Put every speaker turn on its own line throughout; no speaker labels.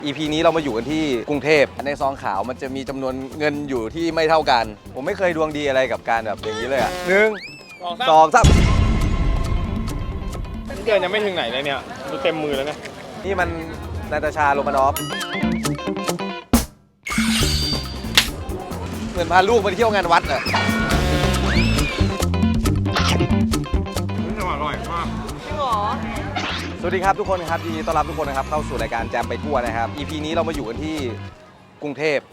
EP นี้เรามาอยู่กันที่กรุงเทพในซองขาวมันจะมีจำนวนเงินอยู่ที่ไม่เท่ากันผมไม่เคยดวงดีอะไรกับการแบบอย่างนี้เลยอ่ะ1 2 3
เดินยังไม่ถึงไหนเลยเนี่ยดูเต็มมือแล้วเนี่ย
นี่มันนาตาชาโรมานอฟเหมือนพาลูกไปเที่ยวงานวัดอ่ะ
อร่อยมาก
จริงเหรอ
สวัสดีครับทุกคนครับยินดีต้อนรับทุกคนนะครับเข้าสู่รายการแจมไปทั่วนะครับ EP นี้เรามาอยู่กันที่กรุงเทพ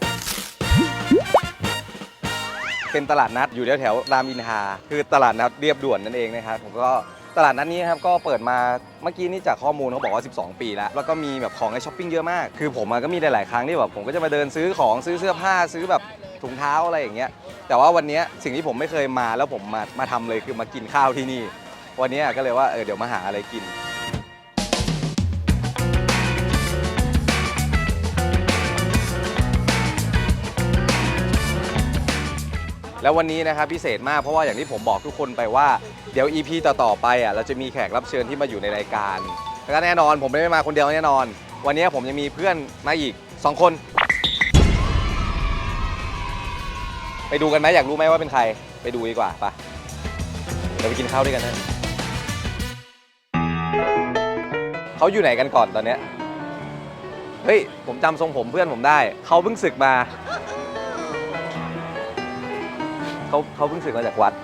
เป็นตลาดนัดอยู่แถวรามอินทราคือตลาดนัดเรียบด่วนนั่นเองนะครับผมก็ตลาดนัดนี้ครับก็เปิดมาเมื่อกี้นี่จากข้อมูลเขาบอกว่า12 ปีแล้วก็มีแบบของให้ช้อปปิ้งเยอะมากคือผมก็มีหลายๆครั้งที่แบบผมก็จะมาเดินซื้อของซื้อเสื้อผ้าซื้อแบบถุงเท้าอะไรอย่างเงี้ยแต่ว่าวันนี้สิ่งที่ผมไม่เคยมาแล้วผมมาทำเลยคือมากินข้าวที่นี่วันนี้ก็เลยว่าเดี๋ยวมาหาอะไรกินแล้ววันนี้นะครับพิเศษมากเพราะว่าอย่างที่ผมบอกทุกคนไปว่าเดี๋ยว EP ต่อไปอ่ะเราจะมีแขกรับเชิญที่มาอยู่ในรายการแล้วก็แน่นอนผมไม่ได้มาคนเดียวแน่นอนวันนี้ผมยังมีเพื่อนมาอีก2 คนไปดูกันไหมอยากรู้ไหมว่าเป็นใครไปดูดีกว่าปะเดี๋ยวไปกินข้าวด้วยกันนะเขาอยู่ไหนกันก่อนตอนเนี้ยเฮ้ยผมจำทรงผมเพื่อนผมได้เขาเพิ่งศึกมาเขาเพิ่งศึกมาจากวัด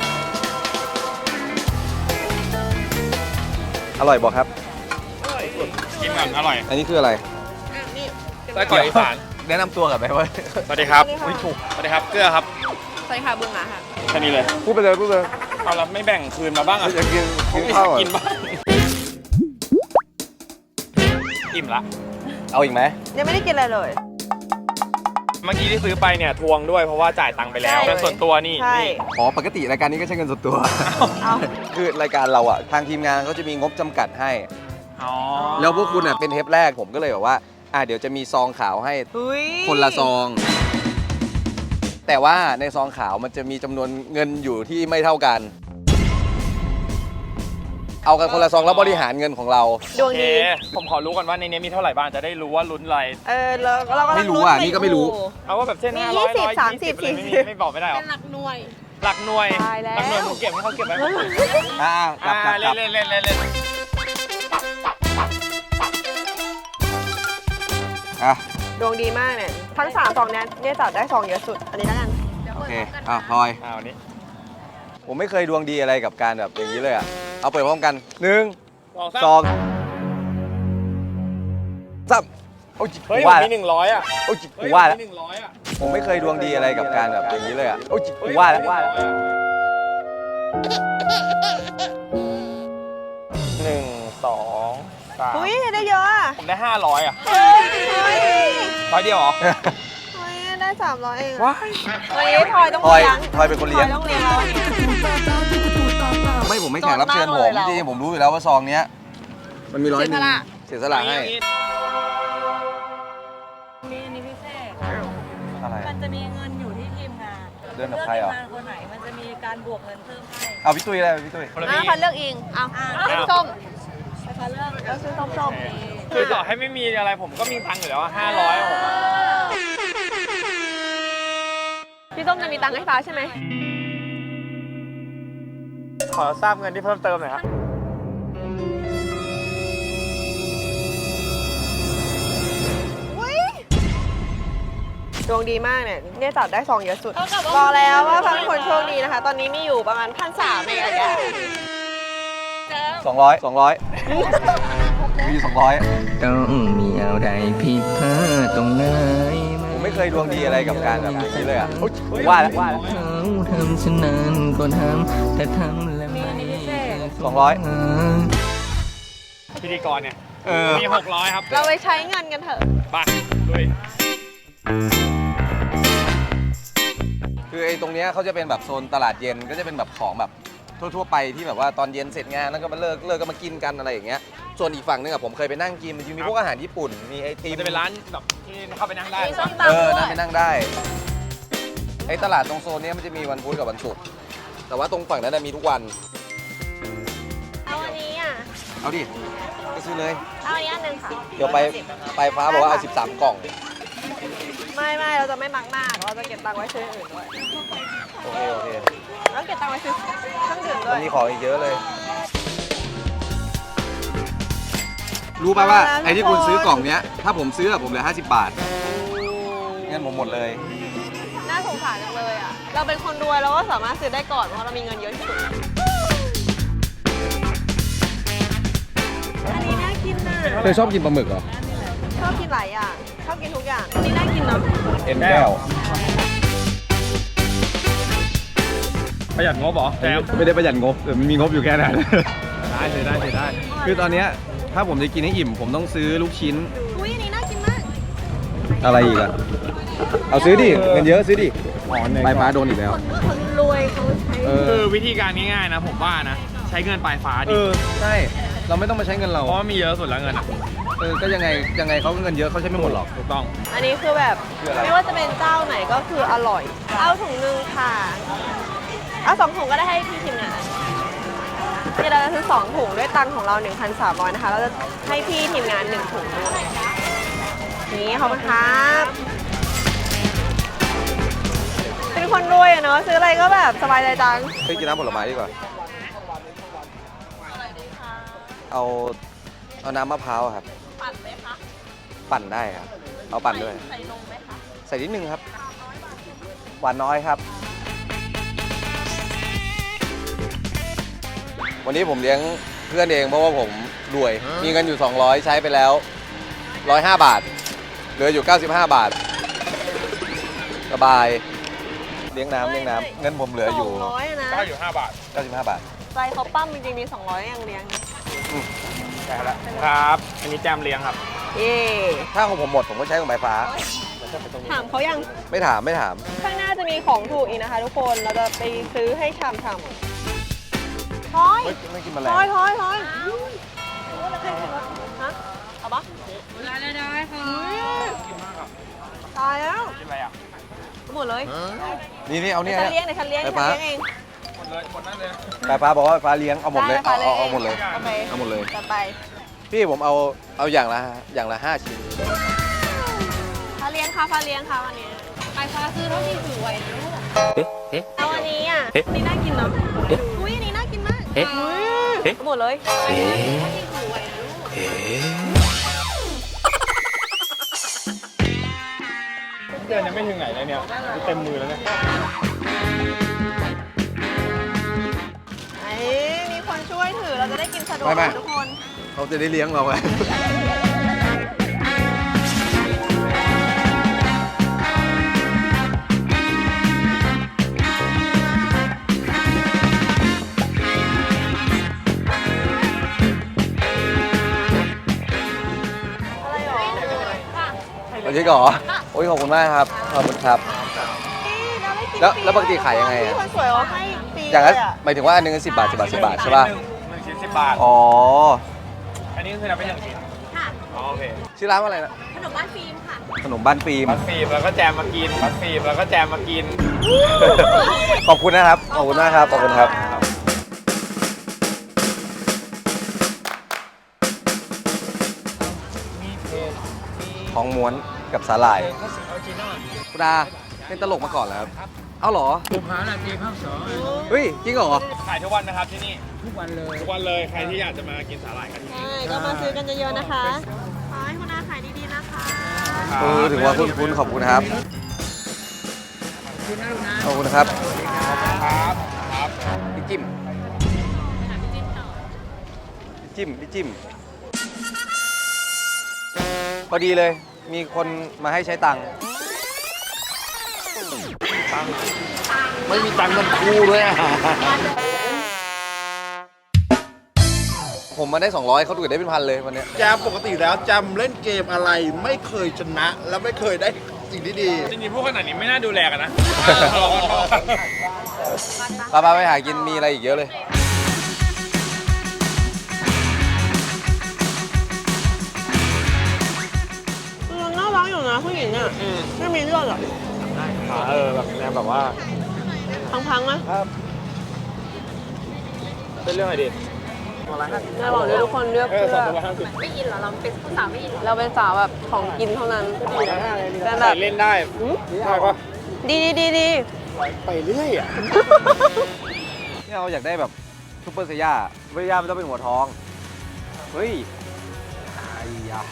อร่อยบอกครับ
กินก่อนอร่อย
อันนี้คืออะไร
ไส้กรอกอีสาน
แนะนำตัวกับไหมว่า
สวัสดีครับสวัสดีครับเกลือครับ
สวัสดีค่ะบึงอ่ะค่ะ
แค่นี้เลย
พูดไปเลย
เอาแล้วไม่แบ่งคืนมาบ้างอ่ะ
อยากกินข้าว
กินบ้างอิ่มละ
เอาอีกไหม
ยังไม่ได้กินอะไรเลย
เมื่อกี้ที่ซื้อไปเนี่ยทวงด้วยเพราะว่าจ่ายตังค์ไปแล้วเงินส่วนตัวนี่
อ๋อปกติรายการนี้ก็ใช้เงินส่วนตัวคือรายการเราอ่ะทางทีมงานเขาจะมีงบจำกัดให้แล้วพวกคุณอ่ะเป็นเทปแรกผมก็เลยบอกว่าเดี๋ยวจะมีซองขาวให้คนละซองแต่ว่าในซองขาวมันจะมีจำนวนเงินอยู่ที่ไม่เท่ากันเอากันคนละซองแล้วบริหารเงินของเรา
ดวงดี
ผมขอรู้ก่อนว่าในนี้มีเท่าไหร่บ้างจะได้รู้ว่าลุ้นอะไร
เราก็
ไม่รู้อ่ะนี่ก็ไม่รู้
เอาว่าแบบเช่น500 120 30 ไม่บอกไม่ได้หรอ
เป็นหลักหน่วย
หลักหน่วยมึงเก็บให้เขาเก็บไว้
กลับ
เล่น
ดวงดีมากเนี่ยทั้ง3 ซองเนี่ยจับได้ซองเยอะสุดอันนี้แล้วกัน
โอเคพลอย
วันนี้
ผมไม่เคยดวงดีอะไรกับการแบบอย่างนี้เลยอ่ะเอาเปิดพร้อมกัน1 2 3โอ้ย
เฮ้ยมี100อ่ะ
โอ้ยกูว่าแล้วผมไม่เคยดวงดีอะไรกับการแบบอย่างนี้เลยอ่ะโอ้ยกูว่าแล้ว
1 2 3
อุ้ยได้เยอะอ่ะ
ผมได้500อ่ะ100เดียวเหรอ
ได้300เอง
ว้าย
วันนี้พลอยต้องเลี้ยง
พลอยเป็นคนเลี้ยง
ต้องเลี้ยง
ไม่ผมไม่แข่งรับเชิญผมจริงๆผมรู้อยู่แล้วว่าซองเนี้ยมันมี100เสียสละให้
มีอันนี้พิเศษ
อะไร
มันจะมีเงินอยู่ที่ทีมงาน
เดินกับใครอ่ะ
ทีมงานคนไหนมันจะมีการบวกเงินเพิ่มให้
เอาพี่ตุ้ยได้พี่ตุ้ย
พันเลือกเองเอาส้ม
พันเลือก
แล้วซื้อส้ม
คือต่อให้ไม่มีอะไรผมก็มีตังค์อยู่แล้ว500ผม
พี่ส้มจะมีตังค์ให้ฟ้าใช่ไหม
ขอทราบเงินที่เพิ่มเติมหน่อยครับ
ดวงดีมากเนี่ยจับได้ซองเยอะสุดบอกแล้วว่าพังคนโชคดีนะคะตอนนี้มีอยู่ประมาณ1,300เองอะ
200มี200
ต้องมีอะไรผิดพลาดตรงไหน
ผมไม่เคยดวงดีอะไรกับการแบบนี้เลยอ่ะว่าแล้ว
เขาทำฉะนั้นก็ทำแต่ทำแล้วไม่
200
พิธีกรเนี่ยมี600ครับ
เราไปใช้เงินกันเถอะ
ไปลุย
คือไอ้ตรงนี้เขาจะเป็นแบบโซนตลาดเย็นก็จะเป็นแบบของแบบทั่วๆไปที่แบบว่าตอนเย็นเสร็จงานแล้วก็มาเลิกก็มากินกันอะไรอย่างเงี้ยส่วนอีกฝั่งนึงอะผมเคยไปนั่งกินมันจะมีพวกอาหารญี่ปุ่นมีไอติม
จะเป็นร้านแบบที่เข้าไปนั่งได้
นั่งไปนั่งได้ไอ้ตลาดตรงโซนนี้มันจะมีวันพุธกับวันศุกร์แต่ว่าตรงฝั่งนั้นมีทุกวัน
เอาอันนี้อ่ะ
เอาดิไปซื้อเลย
เอาอันนี้อันหนึงค่ะ
เดี๋ยวไปฟ้าบอกว่าเอา13 กล่อง
ไม่เราจะไม่มักมากเราจะเก็บตังค์ไว้ซื้ออื่นด้วย
โอเค
แล้วเก็บตังค์ไว้ซื้อเครื่องดื่มด้
มั
วน ย
มีของอีกเยอะเลย รู้ป่ะว่าไอ้ที่คุณซื้อกล่องเนี้ย ถ้าผมซื้อผมเหลือ50 บาทเงินผมหมดเลย
น่าสงสารจังเลยอ่ะเราเป็นคนรวยเราก็สามารถซื้อได้ก่อนเพราะเรามีเงินเยอะที่สุดอันนี้น่ากินน่ะ
เธอชอบกินปลาหมึกเหรอ
ชอบกินหลายอย่างชอบกินทุกอย่างอันนี้น่ากินเนาะ
เอ็นแก้ว
ประหยัดงบเหรอแจม
ไม่ได้ประหยัดงบแต่มีงบอยู่แค่นั้น
ได้
คือตอนเนี้ยถ้าผมจะกินให้อิ่มผมต้องซื้อลูกชิ้น
อุ้ยอันนี้น่ากินมาก
อะไรอีกอะเอาซื้อดิเงินเยอะซื้อดิปลายฟ้าโดนอีกแล้ว
คนรวยเขาใช้
คือวิธีการง่ายๆนะผมว่านะ ใช้เงินปลายฟ้าดิ
ใช่เราไม่ต้องมาใช้เงินเรา
เพราะว่ามีเยอะสุดแล้วเงินอะ
ก็ยังไงเขาก็เงินเยอะเขาใช้ไม่หมดหรอก
ถูกต้อง
อันนี้คือแบบ
คืออะไร
ไม่ว่าจะเป็นเจ้าไหนก็คืออร่อย เอาถุงนึงค่ะเอา2 ถุงก็ได้ให้พี่ทีมงานที่เราจะซื้อ2 ถุงด้วยตังค์ของเรา 1,300 นะคะเราจะให้พี่ทีมงาน1 ถุงด้วยนี่ขอบคุณครับเป็นคนรวยอะเนาะซื้ออะไรก็แบบสบายใจจัง
เฮ้ยกินน้ำผลไม้ดีกว่าเอาน้ำมะพร้าวครับ
ปั่นไหมคะ
ปั่นได้ครับเอาปั่นด้วย
ใส่นมไหมคะ
ใส่นิดนึงครับ หวานน้อยครับ วันนี้ผมเลี้ยงเพื่อนเองเพราะว่าผมรวย มีเงินอยู่ 200 ใช้ไปแล้ว 105 บาท เหลืออยู่ 95 บาท สบาย เลี้ยงน้ำเงินผมเหลืออยู่
200อะนะ
ก็อยู่5 บาท
95 บาท
ใจเขาปั้มจริงๆมี200ยังเลี้ยงนะ
ใช่แล้วครับ อันนี้แจมเลี้ยงครับ
เย่
ถ้าของผมหมดผมก็ใช้ของไฟฟ้า
ถามเขายัง
ไม่ถาม
ข้างหน้าจะมีของถูกอีกนะคะทุกคน เราจะไปซื้อให้ชำๆทอย
ไม่กินแมล
ท
ง
อยฮะเอาปะ
ได้ค่ะ
ตายแล้ว
กินอะไรอ่ะ
หมดเลย
นี่เอาเนี่ย
ฉันเลี้ยงเดี๋ยวฉันเลี้ยง
ไฟ
ฉัน
ฟ้า
เลี้ยงเอง
หมดเลยหมดนั่นเลย
ไฟฟ้าบอกว่าไฟฟ้าเลี้ยงเอาหมดเลย
ได้ค่ะ
เอาหมดเลย
โอเค
เอาหมดเลย
จัดไป
พี่ผมเอาอย่างละ5 ชิ้น
ฟ้าเลี้ยงค่ะฟ้าเลี้ยงค่ะวันนี้
ปลายฟ้าซื้อเท่าที่ถือไหวนะลูก
เอาอันนี้อ่ะอันนี่น่ากินเนาะอุ้ยอันนี้น่ากินมากหมดเลย
เดินยังไม่ถึงไหนเลยเนี่ยเต็มมือแล้วเนี่ย
มีคนช่วยถือเราจะได้กินสะดวก
ไม่
ทุกคน
เขาจะได้เลี้ยงเราไง
อะไรหรอ
เอาจริงเหรอโอ้ยขอบคุณมากครับ ขอบคุณครับ แล้วปกติขายยังไงอะ
พี่คนสวยเขาให้ฟรี
อย่าง
เล
นั้น
ยอ่ะ
หมายถึงว่าอันนึง10 บาท 10 บาท 10 บาทใช่ป่ะ
1 ชิ้น 10 บาท
อ๋อ
อันนี้คือนับเป็น1 ชิ้น
ค่ะ
อ๋อโอเค
ชื่อร้านว่าอะไรนะ
ขนมบ้านฟิล์มค่ะ
ขนมบ้านฟิล์ม
บัสฟีมแล้วก็แจมมากินบัสฟีมแล้วก็แจมมากิน
ขอบคุณนะครับ ขอบคุณมากครับ ขอบคุณครับ ทองม้วนกับสาหร่ายคุณดาเป็นตลกมาก่อนแล้วครับ เอ้าเหรอเฮ้ย จริงเหรอ
ขายทุกวันนะครับที่นี่ ทุกวันเลย ทุกวันเลย ใครที่อยากจะมากินสาหร่ายกันที่นี่
ใช่ ก็มาซื้อกันเยอะๆนะคะ ขอให้คุณอาขายดีๆนะคะ
ถือว่าคุณขอบคุณครับ ขอบคุณครับ
ครับ ครับ
พี่จิ้มพี่จิ้มพอดีเลย มีคนมาให้ใช้ตังค์
ไม่มีตังค์กันคู่ด้วยอ่ะ
ผมมาได้ 200เขาถูกได้เป็นพันเลยวันเนี้ย
แจมปกติแล้วแจมเล่นเกมอะไรไม่เคยชนะ และไม่เคยได้สิ่งที่ดี
จริงๆพวกขนาดนี้ไม่น่าดูแลกันนะ
ป้าไปหากินมีอะไรอีกเยอะเลย
น่ารักอยู่นะผู้หญิงอ่ะไม่มีเลือดอ่ะ
แบบแนวแบบว่า
พังๆนะ
เป็นเรื่องอะไรดี
ระหว่างที่ทุกคนเลือกเสื้อ
ไม่อินเหรอ เราเป็นผู้สาวไม่อินเหรอ
เราเป็นสาวแบบของกินเท่านั้นแต่แบ
ใส่
บ
เล่นได้ได้ปะ
ดี
ไปเรื่อยอ่ะ
เนี่ยเราอยากได้แบบซุปเปอร์เซียซุปเปอร์เซียมันต้องเป็นหัวทอง เฮ้ยไอ้ยะ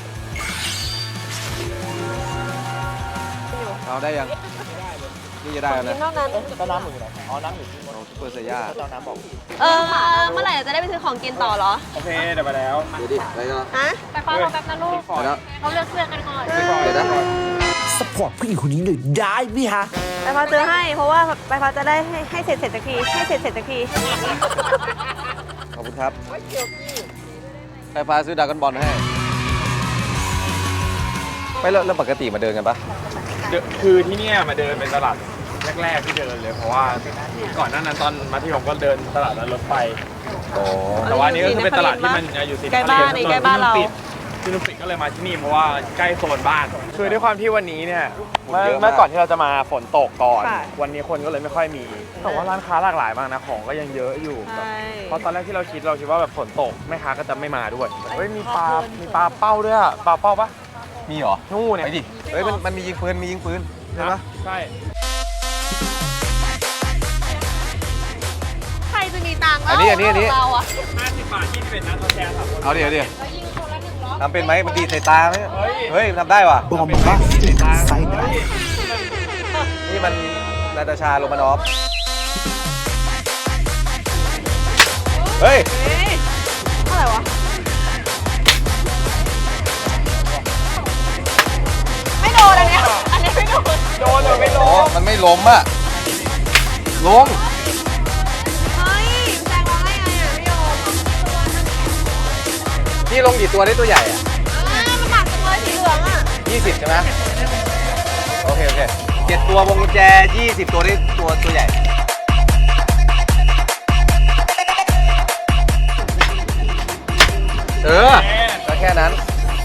เราได้ยัง นี่จะได้แล้ว
กิ
นะ
นเท่านั้น
ก็น้ำหมึกเหรออ๋อน้ำหมึก
ซุปเปอร์เซีย
เจ้าน้ำบอก
เมื่อไหร่จะได้ไปซื้อของกินต่อเหรอ
โอเคเดี๋ยวไปแล้ว
เดี๋ยวดิอะไรก็
ฮะ
ไปฟ้ารอแป๊บนะลูก
พอแล้ว
เขาเลือกเสื้อกันก่อน
เดี๋ยวนะ
สปอร์ตผู้หญิงคนนี้หน่อยได้ไหมฮะ
ไปฟ้าซื้อให้ เพราะว่าไปฟ้าจะได้ให้เสร็จสักที ให้เสร็จสักที
ขอบคุณครับไฟฟ้าซื้อดราก้อนบอลให้ ไม่เริ่มปกติมาเดินกันปะ
คือที่เนี่ยมาเดินเป็นตลาดแรกๆที่เดินเลย เพราะว่าก่อนหน้านั้นตอนมัธยมก็เดินตลาดนั้นรถไฟ
โอ้
แต่ว่าอันนี้ก็คือเป็นตลาดที่มันอยู่ติด
ใกล้บ้านใกล้บ้านเรา
ที่นุ่มปิดก็เลยมาที่นี่เพราะว่าใกล้โซนบ้าน คือด้วยความที่วันนี้เนี่ยเมื่อก่อนที่เราจะมาฝนตกก่อน
ค่ะ
วันนี้คนก็เลยไม่ค่อยมี แต่ว่าร้านค้าหลากหลายมากนะ ของก็ยังเยอะอยู่
ใช่
เพราะตอนแรกที่เราคิดว่าแบบฝนตกแม่ค้าก็จะไม่มาด้วย เฮ้ยมีปลาเป้าด้วยอะปลาเป้าปะ
มีเหรอ
นู่นเนี่ย
ไปดิ เฮ้ยมันมียิงปืนใช่ปะ
ใช่
ใครจะมีตังค์
อันนี้
เราอะ
50 บาท21นะทดแทน3คน
เอาดิ
แล้วยิงคนละ1 รอบ
ทำเป็นไหมมันดีดใส่ตาไหม
เฮ้ย
เฮ้ยมันทำได้ว่ะ
บอมบ้าไซด์ได้
นี่มันนาตาชาโรมานอฟ เฮ้ย
เฮ้ยเท่าไหร่วะ ไม่โดนอันเนี้ยไม่โดน
โดนหรือไม่โด
โอ้
น
มันไม่ล้มอะลง
เฮ้ยแซงเราได้ไงอ่ะพี่โยม
พี่ลงกี่ตัวได้ตัวใหญ่อะ
มันหนักจังเลยสีเหลืองอ่ะ
20 ใช่ไหมโอเค7ตัววงกุญแจ 20 ตัวได้ตัวใหญ่ ก็แค่นั้น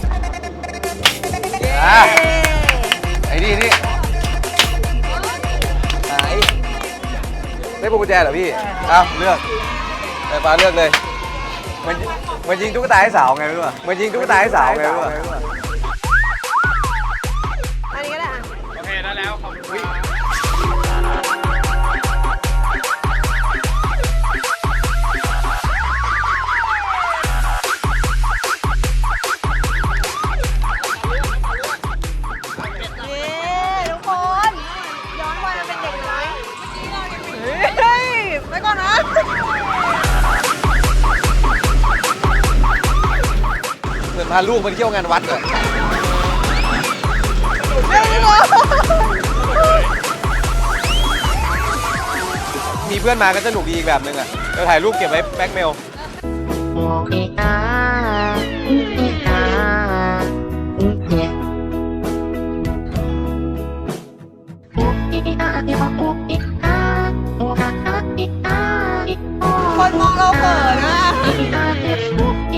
ไอ้นี่ไหนได้พวงกุญแจเหรอพี่เอาเลือกไฟฟ้าเลือกเลยมันยิงตุ๊กตาให้สาวไงไม่รู้อะมันยิงตุ๊กตาให้สาวไงไม่รู้อะ
อันนี้ก็ได้อ่ะ
โอเคได้แล้วขอบคุณครับ
นี่ทุกคน ย้อนวัยมาเป็นเด็กน้อยเฮ้ยไปก่อนนะ
เหมือนพาลูกมาเที่ยวงานวัดเลย
เฮ้ยพี่โยม
มีเพื่อนมาก็สนุกดีอีกแบบนึงอะเดี๋ยวถ่ายรูปเก็บไว้แบ็คเมล
คนมองเราเขินอ่ะ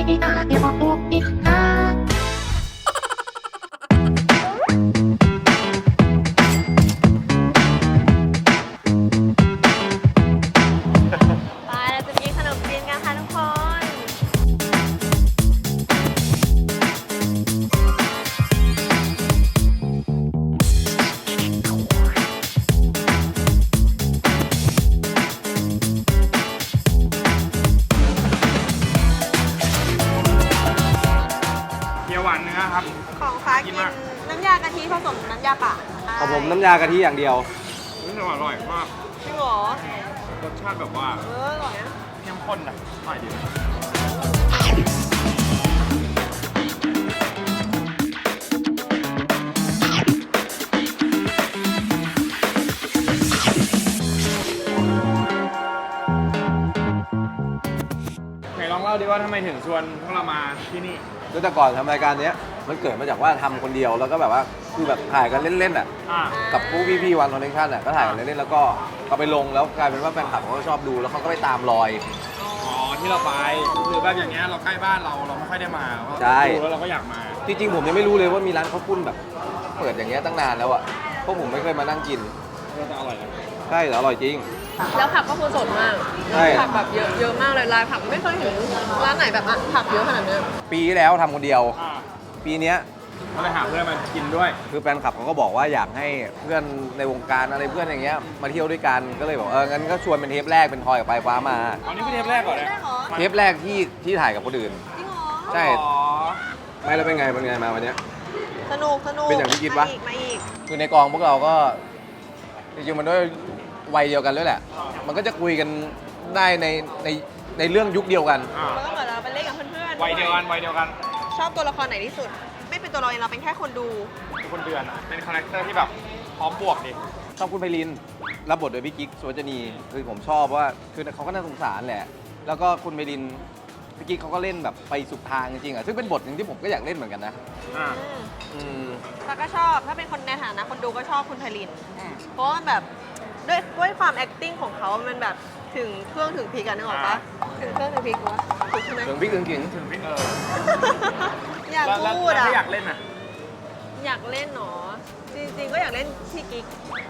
ไปเราจะกินขนมจีนกันค่ะทุกคน
เกี๊ยวหวานเนื้อครับ
ของฟ้ากินน้ำยากะทิผสมน้ำยาป่า
ของผมน้ำยากะทิอย่างเดียว
รู้สึกอร่อยมาก
จริงเหรอ
รสชาติแบบว่า
อร่อยนะ
เข้มข้นนะอร่อยดีไหนลองเล่าดิว่าทำไมถึงชวนพวกเรามาที่นี่
คือแต่ก่อนทำรายการเนี้ยมันเกิดมาจากว่าทำคนเดียวแล้วก็แบบว่าคือแบบถ่ายกันเล่นๆอ่ะ
อ่า
กับพวกพี่ๆวันคอนเนคชั่นอ่ะก็ถ่ายกันเล่นๆแล้วก็เอาไปลงแล้วกลายเป็นว่าแฟนคลับเขาก็ชอบดูแล้วเขาก็ไปตามรอย
อ๋อที่เราไปหรือแบบอย่างเงี้ยเราใกล้บ้านเราไม่ค่อยได้มาเพราะ
ใช่
ดูแล้วเราก็อยากมา
จริงๆผมยังไม่รู้เลยว่ามีร้านข้าวปุ้นแบบเปิดอย่างเงี้ยตั้งนานแล้วอ่ะเพราะผมไม่เคยมานั่งกิน
ก็จะอร่อยนะ
ใช่แต่อร่อยจริง
แล้วผักก็คือสดมาก
ใช่
ผักแบบเยอะมากเลยลายผักไม่เคยเห็นร้านไหนแบบอ่ะผักเยอะขนาดนี้
ปีที่แล้วทำคนเดียว
อ่า
ปีเนี้ย
ก็เลยหาเพื่อนมากินด้วย
คือแฟนคลับเขาก็บอกว่าอยากให้เพื่อนในวงการอะไรเพื่อนอย่างเงี้ยมาเที่ยวด้วยกันก็เลยบอกงั้นก็ชวนเป็นเทปแรกเป็นทอยกับปลายฟ้ามา
เอานี่เป็นเทปแรกก่อนนะ
เทปแรกที่ถ่ายกับคนอื่น
จริงเหรอ
ใช่
อ๋อ
ไม่แล้วเป็นไงมาวันเนี้ย
สนุก
เป็นอย่างที่คิดปะ
มาอีก
คือในกองพวกเราก็จริงๆมันด้วยวัยเดียวกันด้วยแหละ มันก็จะคุยกันได้ในเรื่องยุคเดียวกัน
อ่า
แล้วก็เหมือนเราไปเล่นกับเพื่อนๆ
วัยเดียวกันวัยเดียวกัน
ชอบตัวละครไหนที่สุด ไม่เป็นตัวเราเองเราเป็นแค่คนดู
ทุกคนเดือนอะเป็นคาแรคเตอร์ที่แบบพร้อมบวกดิ
ชอบคุณไพลินรับบทโดยพี่กิ๊กสุวรรณีคือผมชอบว่าคือเขาก็น่าสงสารแหละ แล้วก็คุณไพลินพี่กิ๊กเขาก็เล่นแบบไปสุดทางจริงๆอ่ะซึ่งเป็นบทหนึ่งที่ผมก็อยากเล่นเหมือนกันนะ
อ่า
อืม
แล้วก็ชอบถ้าเป็นคนในฐานะคนดูก็ชอบคุณไพลิน
อืม
เพราะว่ามันแบบด้วยความ acting ของเขามันแบบถึงเครื่องถึงพริกกันนึกออกปะถึงเครื่องถึงพริกวะถูกใช่ไหม
ถึงพี่ถึงขิง
ถึงพี่
อยาก
แล้ว
พูด
แล้ว
อ่ะ
ถ้าอยากเล่นอ่ะ
อยากเล่นหนอจริงๆก็อยากเล่นพี่กิ๊ก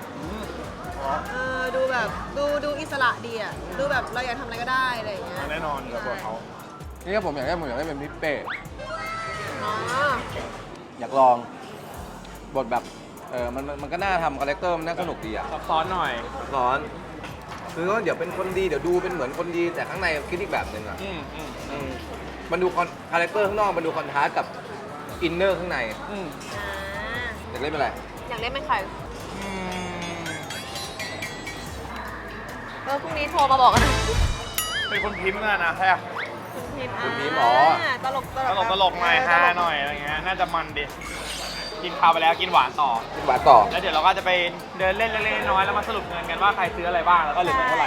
ดูแบบดูอิสระดีอ่ะดูแบบเราอยากทำอะไรก็ได้อะไรอย่างเงี้ย
แน่นอนเดี๋ยวบทเขา
นี่ก็ผมอยากได้เป็นพี่เป้
อ๋อ
อยากลองบทแบบมันก็น่าทำคาแรคเตอร์มันน่าสนุกดีอ่ะ
ซับซ้อนหน่อย
ร้อนคือว่าเดี๋ยวเป็นคนดีเดี๋ยวดูเป็นเหมือนคนดีแต่ข้างในคิดอีกแบบหนึ่งอ่ะ
อืม
มันดูคาแรคเตอร์ข้างนอกมันดูคอนทราสต์กับอินเนอร์ข้างใน
อืม
อ่า
อยากเล่นเป็นอะไร
อยากเล่นเป็นใครพรุ่งนี้โทรมาบอกกันนะ
เป็นคนพิมพ์นะใช่ปะ
คุณพิมพ์
คุณพิมพ์อ๋อ
ตลก
ตลกหน่อยฮาหน่อยอะไรเงี้ย น่าจะมันดิ กินข้าวไปแล้วกินหวานต่อ
เป็นบาทต่อ
แล้วเดี๋ยวเราก็จะไปเดินเล่นเล็กๆน้อยๆแล้วมาสรุปเงินกันว่าใครซื้ออะไรบ้างแล้วก็เหลือเงินเท่าไหร่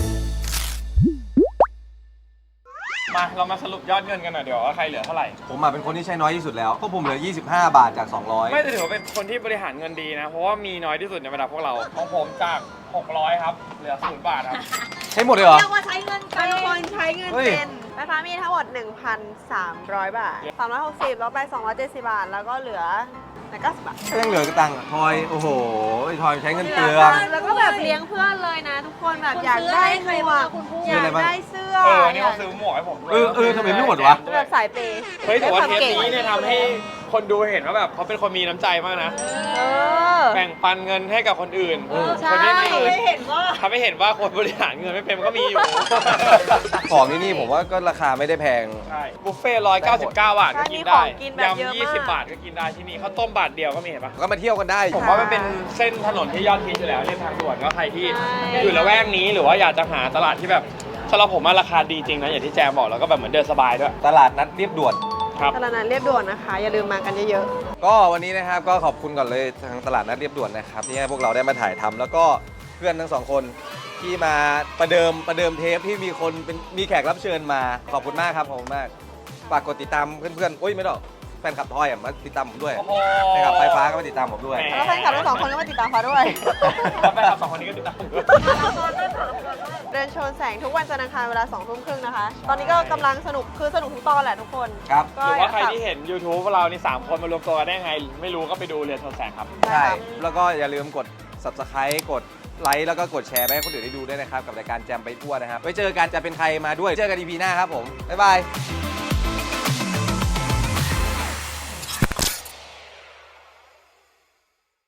มาเรามาสรุปยอดเงินกันหน่อยเดี๋ยวว่าใครเหลือเท่าไหร่
ผมเป็นคนที่ใช้น้อยที่สุดแล้วเพราะผมเหลือ 25 บาทจาก 200
ไม่แต่ถือว่าเป็นคนที่บริหารเงินดีนะ เพราะว่ามีน้อยที่สุดในบรรดาพวกเรา ของผมจาก 600 ครับ เหลือ 0 บาทครับ
ใช้หมดเลยเหรอ
เรียกว่าใช้เงินเป็นคนใช้เงิน
เฮ้ย
เป็นไฟฟ้ามีทั้งหมด 1,300 บาท 360แล้วไป 270 บาท แล้วก็เหลือ90 บาท
ก็ยังเหลือกระตังค์ทอยโอ้โหทอยใช้เงินเปลือง
แล้วก็แบบเลี้ยงเพื่อนเลยนะ ทุกคนแบบอยากได้หมวก
ซื้
อ
ออะ
ยา
ไร
ก
บ้าง
ได้เสื้อ
นี่เขาซื้อหมวกให้ผมด้วย
ทำไมไม่หมดวะ
แบบสายเปย์
เฮ้ยแต่ว่าเทป
ด้วยควม
นี้เนี่ยทำให้คนดูเห็นว่าแบบเขาเป็นคนมีน้ำใจมากนะ
เออ
แบ่งปันเงินให้กับคนอื่น
ใช่
คนที่ไม่อื่น
ไม่เห็นว่า
ทำให้เห็นว่าคนบริหารเงินไม่เป็นก็มีอยู่
ของที่นี่ผมว่าก็ราคาไม่ได้แพง
ใช่บุฟเฟ่ต์199 บาทก็กินได้
ใช่มีของกินแบบเยอะมาก
ยำ20 บาทก็กินได้ที่นี่ข้าวต้มบาทเดียวก็มีเห็นปะ
ก็มาเที่ยวกันได้
ผมว่ามันเป็นเส้นถนนที่ยอดฮิตอยู่แล้วเรียบทางด่วนก็ใครที่
ใช่
อยู่ละแวกนี้หรือว่าอยากจะหาตลาดที่แบบสำหรับผมว่าราคาดีจริงนะอย่างที่แจมบอกแล้วก็แบบเหมือนเดินสบายด้วย
ตลาดนัดเรียบด่วน
ครับ
ตลาดนัดเรียบด่วนนะคะ อย่าลืมมากันเยอะ
ก็วันนี้นะครับก็ขอบคุณก่อนเลยทางตลาดนัดเรียบด่วนนะครับที่ให้พวกเราได้มาถ่ายทำแล้วก็เพื่อนทั้งสองคนที่มาประเดิมเทปที่มีแขกรับเชิญมาขอบคุณมากครับขอบคุณมากฝากกดติดตามเพื่อนๆโอ้ยไม่หรอกแฟนคลับทอยมาติดตามผมด้วย
โอ้โห
แฟนคลับไฟฟ้าก็มาติดตามผมด้วย
แหม
ๆ แล้วแฟนคลับทั้งสองคนก็มาติดตามเขาด้วย
แล้วแฟนคลับสองคนนี้ก็ติดตามผมด้วย
เดินโชนแสงทุกวันจันทร์อังคารเวลา2 ทุ่มครึ่งนะคะ ตอนนี้ก็กำลังสนุกทุกตอนแหละทุกคน
ครับ
ก็
หรือว่าใครที่เห็น YouTube เรานี่3คนมารวมตัวกันได้ไง ไม่รู้ก็ไปดูเรียนโทรแสงครับ
ใช่แล้วก็อย่าลืมกด subscribe กดไลค์แล้วก็กดแชร์ไปให้คนอื่นได้ดูด้วยนะครับกับรายการแจมไปทั่วนะครับไว้เจอกันจะเป็นใครมาด้วยเจอกัน EP หน้าครับผมบ๊ายบาย